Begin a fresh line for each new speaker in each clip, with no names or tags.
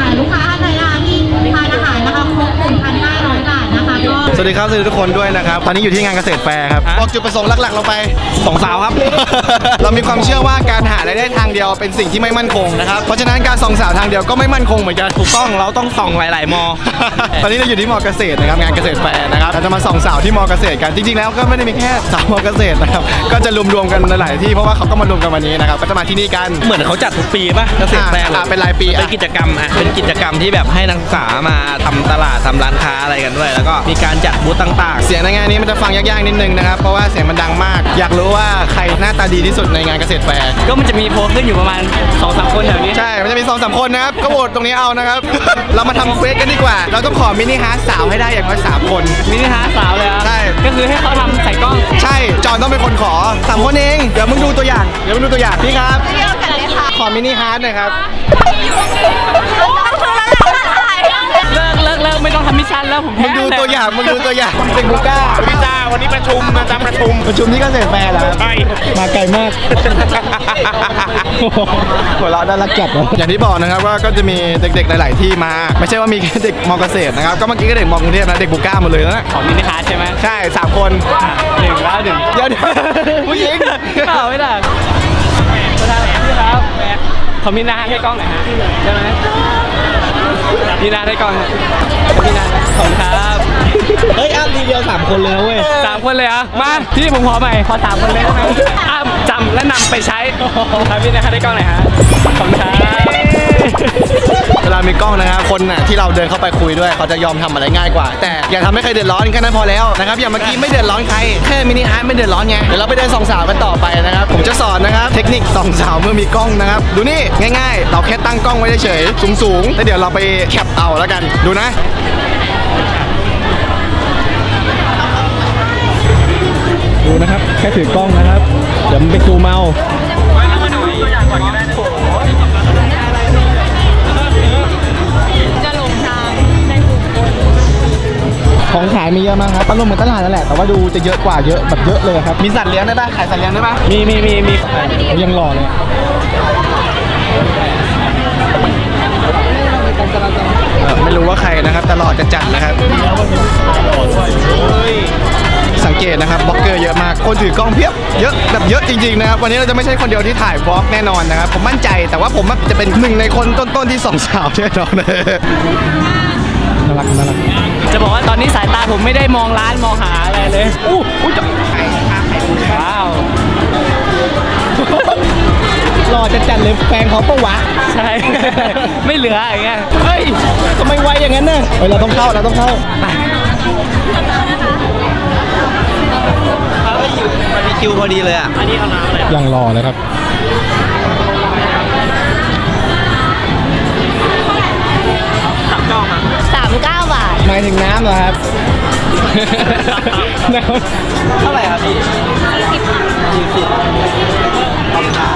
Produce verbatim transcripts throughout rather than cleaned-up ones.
ลูกค้าท่านใดที่ทานอาหารนะคะครบ หนึ่งพันห้าร้อย บาทนะคะก็
สวัสดีครับสวัสดีทุกคนด้วยนะครับตอนนี้อยู่ที่งานเกษตรแฟร์ครับบอกจุดประสงค์หลักๆเราไปสองสาวครับ เรามีความเชื่อว่าการหารายได้ทางเดียวเป็นสิ่งที่ไม่มั่นคงนะครับเพราะฉะนั้นการส่องสาวทางเดียวก็ไม่มั่นคงเหมือนกันถูกต้องเราต้องส่องหลายๆมอ ตอนนี้เราอยู่ที่มอเกษตรนะครับงานเกษตรแฟร์นะครับเราจะมาส่องสาวที่มอเกษตรกันจริงๆแล้วก็ไม่ได้มีแค่สาวมอเกษตรนะครับก็จะรวมๆกันหลายที่เพราะว่าเขาก็มารวมกันวันนี้นะครับก็จะมาที่นี่กัน
เหมือนเขาจัดทุกปีป่ะเกษตรแฟร์
อ่าเป็นรายปี
เป็นกิจกรรมอ่ะเป็นกิจกรรมที่แบบให้นักศึกษามาทำตลาดทำร้านค้าอะไรกันด้วยแล้วก็มีการจัดบูธต่างๆ
เสียงในงานนี้มันจะฟังยากๆนิดนึงนะครับเพราะว่าเสียงมันดังมากอยากรู้ว่าใครหน้าตาดีที่สุดในงานเกษตรแฟร์
ก็มันจะมีโพลขึ้นอยู่ประมาณ สองสาม คนแถวนี้
ใช่มันจะมีสองสามคนนะครับก็โหวตตรงนี้เอานะครับ เรามาทำเควสกันดีกว่าเราต้องขอมินิฮาร์ทสาวให้ได้อย่างน้อยสามคน
มินิฮาร์ทสาวเลยอ่ะ
ใช่
ก็คือให้เขาทำใส่กล้อง
ใช่จอนต้องเป็นคนขอสามคนเองเดี๋ยวมึงดูตัวอย่างเดี๋ยวมึงดูตัวอย่างพี่ครับขอมินิฮาร์ทหน่อยครับ
เลิกเลิกเลิกไม่ต้องทำมิชชั่นแล้วผม
มึงดูตัวอย่างมึงดูตัวอย่างเป็นบูก้า
พี่จ้าวันนี้ประชุมนะจ๊ะประชุม
ประชุมที่เกษตรแฟร์เหรอ
ใช่
มาไกลมากหัวเราะน่ารักจัดอย่างที่บอกนะครับว่าก็จะมีเด็กๆหลายๆที่มาไม่ใช่ว่ามีแค่เด็กมอเกษตรนะครับก็เมื่อกี้ก็เด็กมอกรุงเทพนะเด็กบูก้าหมดเลยนะ
ของมินิฮาร์ทใช่ไหม
ใช่สามคน
หนึ่งแล้วหนึ่ง
เดี๋ยวผู้หญิง
เปล่าไม่ได้ประธานพี่ครับขอมินิฮาร์ทให้กล้องหน่อยฮะได้ไหมมินิฮาร์ทให้กล้องมินิฮาร์ทขอบคุณครับ
เฮ้ยอ้ามทีเดียวสามคนเลยเว้ย
สามคนเลยอ่ะมาที่ผมขอใหม่ขอสามคนเลยได้ไหมอ้ามจำและนำไปใช้ครับมินิฮาร์ทให้กล้องหน่อยฮะขอบคุณครับ
เวลามีกล้องนะครับคนน่ะที่เราเดินเข้าไปคุยด้วยเขาจะยอมทำอะไรง่ายกว่าแต่อย่าทำให้ใครเดือดร้อนแค่นั้นพอแล้วนะครับอย่างเมื่อกี้ไม่เดือดร้อนใครแค่มินิฮาร์ทไม่เดือดร้อนไงเดี๋ยวเราไปเดินส่องสาวกันต่อไปนะครับผมจะสอนนะครับเทคนิคส่องสาวเมื่อมีกล้องนะครับดูนี่ง่ายๆเราแค่ตั้งกล้องไว้เฉยๆสูงๆแล้วเดี๋ยวเราไปแคปเอาแล้วกันดูนะดูนะครับแค่ถือกล้องนะครับเดี๋ยวมันไปซูมเอาของขายมีเยอะมากครับอารมณ์เหมือนตลาดนั่นแหละแต่ว่าดูจะเยอะกว่าเยอะแบบเยอะเลยครับมีสัตว์เลี้ยงได้ป่ะขายสัตว์เลี้ยงได้ป่ะ
มีมีมีมี
ยังหล่อเลยไม่รู้ว่าใครนะครับแต่หล่อจะจัดนะครับสังเกตนะครับบล็อกเกอร์เยอะมากคนถือกล้องเพียบเยอะแบบเยอะจริงๆนะครับวันนี้เราจะไม่ใช่คนเดียวที่ถ่ายบล็อกแน่นอนนะครับผมมั่นใจแต่ว่าผมจะเป็นหนึ่งในคนต้นๆที่ส่องสาวแน่นอนน่ารักน่ารัก
จะบอกว่าตอนนี้สายตาผมไม่ได้มองร้านมองหาอะไรเลยอู้อู้จับว้าว
หล่อจะจัดเลยแฟนเขาปะวะ
ใช่ไม่เหลืออย่างเงี้ย
เฮ้ยทำไมไวอย่างนั้นน่ะเฮ้ยเราต้องเข้าเราต้องเข้า
มันมีคิวพอดีเลยอ่ะอันนี้เอาน้ำอะไร
ยังรอเลยครับ
ตับกล้องอ่ะ
สามสิบเก้า บาท
หมายถึงน้ำเหรอครับ
เท่าไหร่ครับพี่ยี่สิบขอบคุณครับ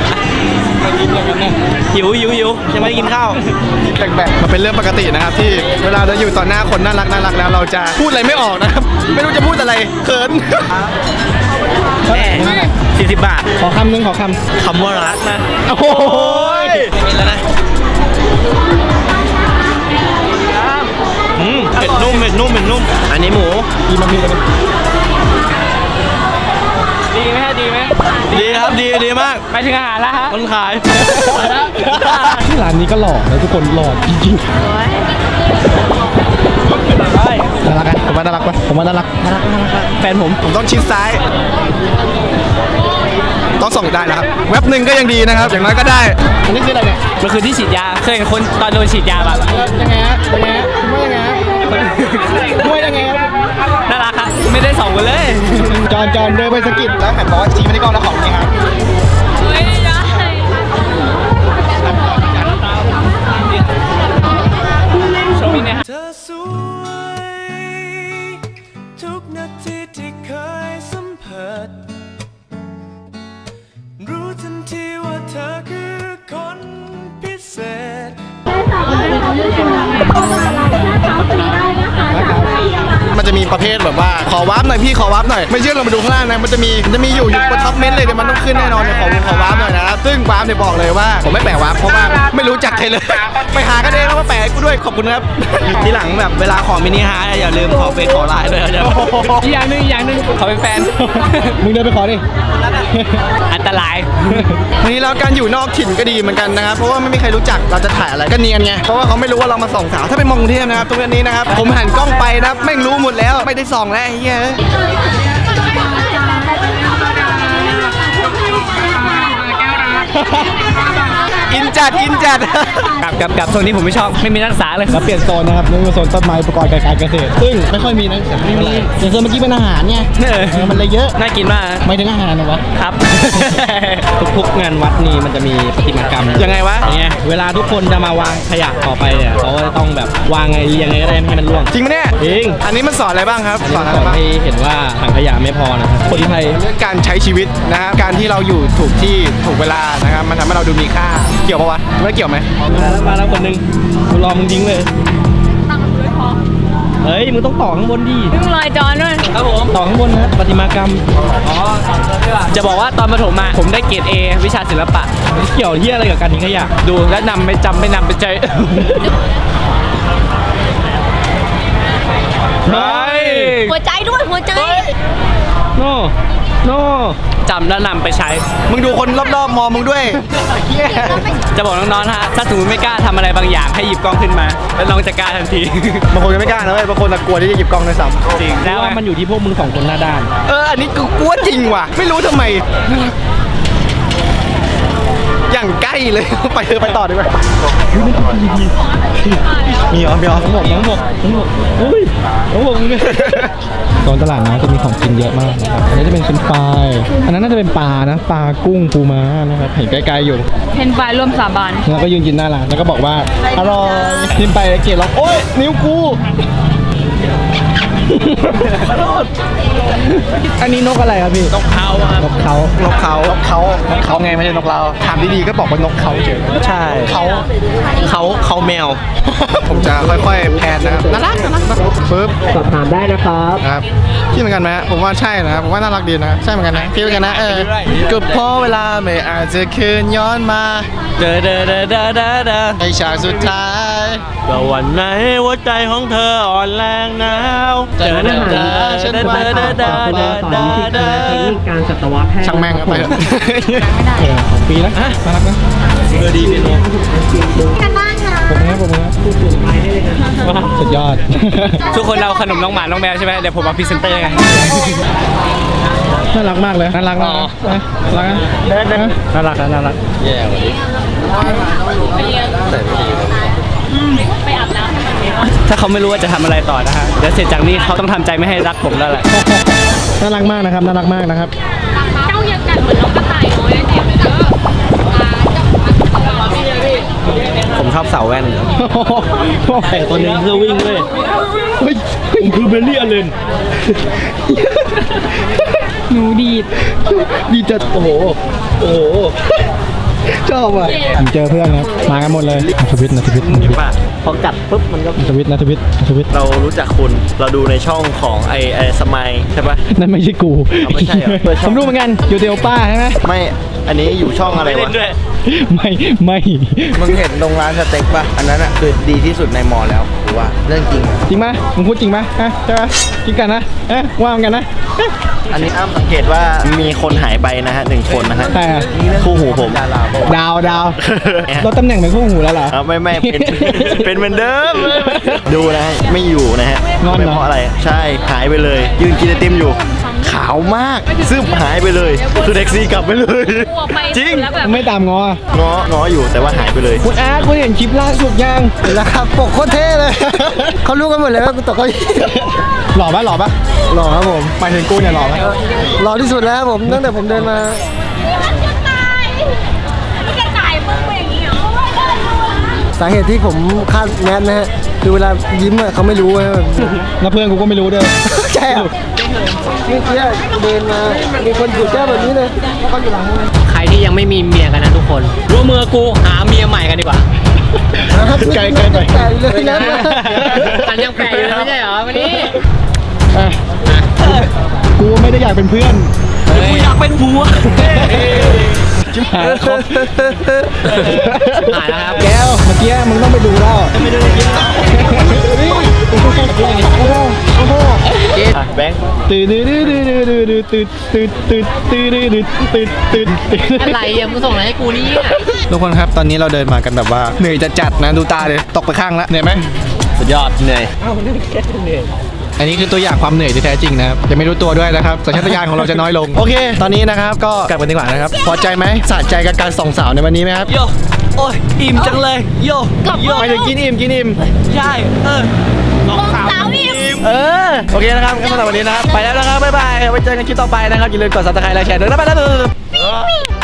หิวหิวหิวยังไม่ได้กินข้าว
แบกๆมันเป็นเรื่องปกตินะครับที่เวลาเราอยู่ต่อหน้าคนน่ารักน่ารักแล้วเราจะพูดอะไรไม่ออกนะครับไม่รู้จะพูดอะไรเขิน
แม่สี่สิบบาท
ขอคำนึงขอค
ำคำว่ารักนะ
โอ้โห
ไม่กินแล้วนะอืมเผ็ดนุ่มเผ็ดนุ่มเผ็ดนุ่มอันนี้หมู
ดีมามีเลย
ดีไหมฮะดีไหมดีครับดีดีมากไปถึงอาหารแล้วฮะคนขาย
ที่ร้านนี้ก็หล่อนะทุกคนหล่อจริงๆน่ารักอ่ะผมว่าน่ารักปะผมว่าน่ารัก
น่ารักน่ารักแฟนผม
ผมต้องชิดซ้ายต้องส่องได้นะครับเว็บหนึ่งก็ยังดีนะครับอย่างน้อยก็ได้อันนี้คืออะไรเนี่ย
มันคือที่ฉีดยาเคยเห็นคนตอนโดนฉีดยาแบบ
ยังไงฮะยังไงฮะว่ายังไงฮะว่ายังไงฮะ
น่ารักครับไม่ได้ส่องกันเลย
จอนจอนเดินไปสกิดแล้วหันบอกว่าชี้ไม่ได้กล้องแล้วของจริงครับ
ไม่ได้
โชว์มินิฮะ
เธอสวยทุกนาทีที่เคยสัมผัสรู้ทันทีว่าเธอคือคนพิเศษ
มันจะมีประเภทแบบว่าขอวาร์ปหน่อยพี่ขอวาร์ปหน่อยไม่เชื่อลองไปดูข้างล่างนะมันจะมีมันจะมีอยู่อยู่บนท็อปเมนต์เลยเดี๋ยวมันต้องขึ้นแน่นอนเนี่ยขอขอวาร์ปหน่อยนะครับซึ่งวาร์ปเนี่ยบอกเลยว่าผมไม่แปะวาร์ปเพราะว่าไม่รู้จักใครเลยไปหากันเองแล้วมาแปะให้กูด้วยขอบคุณครับ
ทีหลังแบบเวลาขอมินิฮาร์ทอย่าลืมขอเฟซขอไลน์ด้วยนะอีกอย่างหนึงอีกอย่างหนึงขอเป็นแฟน
มึงเดินไปขอดิ
อันตราย
ทีนี้แล้วการอยู่นอกถิ่นก็ดีเหมือนกันนะครับเพราะว่าไม่มีใครรู้จักเราจะถ่ายอะไรก็เนียนไงเพราะว่าเขาไม่รู้ว่าเรามาส่องสาวถ้าเป็นมองกรุงเทพนะครับตรงนี้นะครับผมหันกล้องไปนะแม่งรู้หมดแล้วไม่ได้ส่องแล้วไอ้เหี้ยอินจัดอินจัด
กับกับกับโซนนี้ผมไม่ชอบไม่มีนักศึกษาเลย
เราเปลี่ยนโซนนะครับนี่คือโซนต้นไม้อุปกรณ์การเกษตรซึ่งไม่ค่อยมีนักศึกษาไม่มีอย่างโซนเมื่อกี้เป็นอาหารไง
เออ
เออมันเลยเยอะ
น่ากินมาก
ไม่ถึงอาหารนะวะ
ครับ ทุกๆงานวัดนี่มันจะมีประติมากรรม
ยังไงวะ
อย่างเงี้ยเวลาทุกคนจะมาวางขยะต่อไปเนี่ยเขาก็จะต้องแบบวางไงเรียงไงก็ได้ไม่ให้มันร่วง
จริงไหมเนี่ย
จริง
อันนี้มันสอนอะไรบ้างครับ
อัน
ส
นี้
อน
มัน
อะ
ส
ไร
อน
บ้าง
ให้เห็นว่าถังขยะไม่พอนะครับคนไทย
เรื่องการใช้ชีวิตนะครับการที่เราอยู่ถูกที่ถูกเวลานะครับมันทำให้เราดูมีค่าเกี่ยวปะวะไม่เกี่ยวไหม
มาแล้วมาแล้วคนหนึงกูรอมึงทิ้งเลยเฮ้ยมึงต้องต่อข้างบนดิ
มึงลอยจอนด้วย
ครับผมต่อข้างบนนะครับประติมากรรมอ๋อจะบอกว่าตอนประถมอะผมได้เกรด A วิชาศิลปะเกี่ยวที่อะไรกับการทิ้งขยะดูและนำไปจำไปนำไปใจ เฮ้ย
หัวใจด้วยหัวใจ
โน่โน่จำแล้วนำไปใช้
มึงดูคนรอบๆมองมึงด้วยเหี้ย
จะบอกน้องๆนะฮะถ้าสมมติไม่กล้าทำอะไรบางอย่างให้หยิบกล้องขึ้นมา แล้วน้องจะกล้าทันที
บางคนก็ไม่กล้านะเว้ยบางคนน่ะกลัวที่จะหยิบกล้องด้วยซ้ำ
จริงแล้วมันอยู่ที่พวกมึงสองคนหน้าด้าน
เอออันนี้กูกลัวจริงว่ะไม่รู้ทำไมอย่างใกล้เลย ไปเถอะไปต่อดีกว่ามีเหรอมีเหรอ
น้องบอกน้องบอกน้องบอกเฮ้ยน้องบอกมึง
โซนตลาดน้ำจะมีของกินเยอะมากนะครับอันนี้จะเป็นเป็นปลายอันนั้นน่าจะเป็นปลานะปลากุ้งปูม้านะครับเห็นไกลๆอยู่
เพนไฟร่วมสาบาน
แล้วก็ยืนกินหน้าร้านแล้วก็บอกว่าอร่อยกินไปแล้วเกลียดร้องโอ๊ยนิ้วกูอันนี้นกอะไรครับพี่นกเขานกเขานกเขานกเขานกเขาไงไม่ใช่นกเราถามดีๆก็บอกว่านกเขาเฉยใช่เขาเขาเขาแมว ผมจะค่อยๆแพนนะครับน่ารักน่ารักปึ๊บ
สอบถามได้นะครับ
ครับคิดเหมือนกันไหมผมว่าใช่นะครับผมว่าน่ารักดีนะใช่เหมือนกันนะคิดเหมือนกันนะเออก็เพราะเวลาไม่อาจจะคืนย้อนมา
เดอเดอเดอเดอเดอเดอ
ในฉากสุดท้าย
ก็วันไหนหัวใจของเธออ่อนแรงหนาวเดอเดอเดอเดอเดอเดอเดอเดอเดอเดอ
ช่างแม่งเอาไปเถอะเออของปีนะน่ารักนะ
เออดีเป็นโน
กันบ้างนะ
ผมนะผมนะสุดยอด
ทุกคนเราขนมน้องหมาน้องแมวใช่ไหมเดี๋ยวผมมาพรีเซนเตอร์ไง
น่ารักมากเลยน่ารักนะน่ารักนะ
เดินเดินน่ารักน่ารักแย่วันนี้ถ้าเขาไม่รู้ว่าจะทำอะไรต่อนะฮะเดี๋ยวเสร็จจากนี้เขาต้องทำใจไม่ให้รักผมแล้วแหละ
น่ารักมากนะครับน่ารักมากนะครับ
เจ้ายังกัดเหมือนน้องกระต่ายน้อยเลยเนี่ยเจ้า
ผมชอบเสาแว่นแต่ตัวนึงคือวิ่งเลยเฮ้ยผมคือเบลลี่อเลน
หนูดีด
ดีจัดโอ้โหโอ้โหชอบอ่ะผมเจอเพื่อนครับมากันหมดเลยนัทวิทย์นัทวิทย์นัทวิทย์
ป่ะพอกัดปุ๊บมันก็
นัทวิทย์นัทวิทย์นัทวิทย์
เรารู้จักคุณเราดูในช่องของไอไอสมัยใช่ปะ
นั่นไม่ใช่กู
เอาไม่ใช่เหรอ
ผมรู้เหมือนกันอยู่เดียวป้าใช่ไหม
ไม่อันนี้อยู่ช่องอะไรวะ
ไม่ไม่
มึงเห็นตรงร้านสเต็กป่ะ อันนั้นอ่ะคือดีที่สุดในมอแล้วกูว่าเรื่องจริงอะ
จริงไหมมึงพูดจริงไหมฮะใช่ไหมจริงกันนะเอ๊ะว่ามันกันนะ
อันนี้อ้ามสังเกตว่ามีคนหายไปนะฮะหนึ่งคนนะฮะ
ใครอะ
คู่หูผม
ดาวดาวลดตำแหน่งเป็นคู่หูแล้วเหรอ
ครับไม่ไม่เป็น เป็นเหมือนเดิมดูนะฮะไม่อยู่นะฮะ
งอนเหรอ
ไม่เพราะอะไรใช่หายไปเลย ยืนกินไอติมอยู่ ขาวมากซึมหายไปเลยคือแท็กซี่กลับไปเลย จริง
แล้วแบบ
ไม่ตามงอ
ง้อง้ออยู่แต่ว่าหายไปเลย
คุณอาร์ตคุณเห็นคลิปล่าสุดยังเห็นแล้วครับปกโคตรเท่เลย เขารู้กันหมดเลยว่ากูตกเขาหล่อปะหล่อปะหล่อครับผมหมายถึงกูเนี่ยหล่อปะหล่อที่สุดแล้วผมตั้งแต่ผมเดินมา
จะตายจะตายมึงเป็นอย่างนี้เหรอ
สาเหตุที่ผมคาดแมสนะฮะคือเวลายิ้มอะเขาไม่รู้นะแล้วเพื่อนกูก็ไม่รู้ด้วย ใช่เหรอเมื่อกี้เดินมามีคนถือแก้วแบบนี้เลยแล้วก็อยู่หลังมึง
ใครที่ยังไม่มีเมียกันนะทุกคนร่วมมือกูหาเมียใหม่กันดีกว่า
ไกลไกลไป
ไกลเลยนะมันยังแปลกอยู่เลยไม่ใช่เหรอวันนี้
อ่าไม่ได้อยากเป็นเพื่อน
กูอยากเป็นผัว
ชิบหายแล้วครับ
หายแล้วครับ
แก้วเมื่อกี้มึงต้องไปดูแล้ว
ไม่ได้กินแล้ว
โอ้โหโอ้โห
แบงค์
ตื่นตื่นตื่นตื่นตื่นตื่นตื่นตื่นตื่นตื่นตื่นตื่น
อะไรอ่ะมึงส่งอะไรให้กูนี่อ่ะ
ทุกคนครับตอนนี้เราเดินมากันแบบว่าเหนื่อยจัดจัดๆนะดูตาเลยตกไปข้างแล้วเหนื่อยไหม
สุดยอดเหนื่อย
อันนี้คือตัวอย่างความเหนื่อยที่แท้จริงนะครับยังไม่รู้ตัวด้วยนะครับสัญชาตญาณของเราจะน้อยลงโอเค ตอนนี้นะครับก็กลับกันดีกว่านะครับพอใจไหมสะใจกับการส่องสาวในวันนี้ไหมครับ
โยโอ้ยอิ่มจังเลยโยโย
ไปถึงกินอิ่มกินอิ่ม
ใช่เออ
สาวอิ่ม
เออโอเคนะครับก็สำหรับวันนี้นะครับไปแล้วนะครับบ๊ายบายไว้เจอกันคลิปต่อไปนะครับอย่าลืมกดซับสไครต์และแชร์ด้วยนะไปแล้ว